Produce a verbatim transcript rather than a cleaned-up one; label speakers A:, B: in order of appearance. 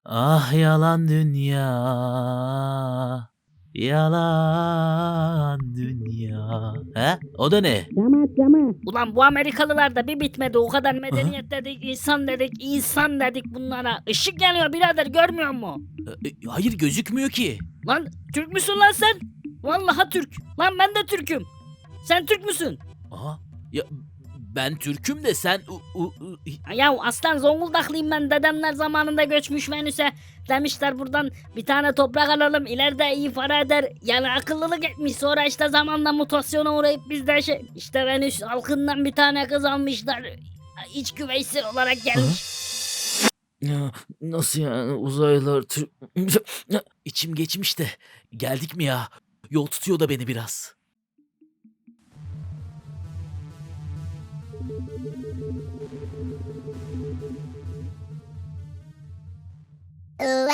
A: Ah yalan dünya, yalan dünya. He? O da ne?
B: Cama cama. Ulan bu Amerikalılar da bir bitmedi. O kadar medeniyet
A: Aha.
B: dedik, insan dedik, insan dedik bunlara. Işık yanıyor birader, görmüyor musun?
A: E, e, Hayır gözükmüyor ki.
B: Lan Türk müsün lan sen? Vallahi Türk. Lan ben de Türk'üm. Sen Türk müsün?
A: Aha. Ya ben Türk'üm de sen u- u- u-
B: Ya aslan Zonguldaklıyım ben. Dedemler zamanında göçmüş Venüs'e. Demişler buradan bir tane toprak alalım. İleride iyi para eder. Yani akıllılık etmiş. Sonra işte zamanla mutasyona uğrayıp bizde şey... işte Venüs halkından bir tane kız almışlar. İç güveysi olarak gelmiş.
A: Ya, nasıl yani uzaylılar Türk... Ya, İçim geçmiş de geldik mi ya? Yol tutuyor da beni biraz.
C: Ooh,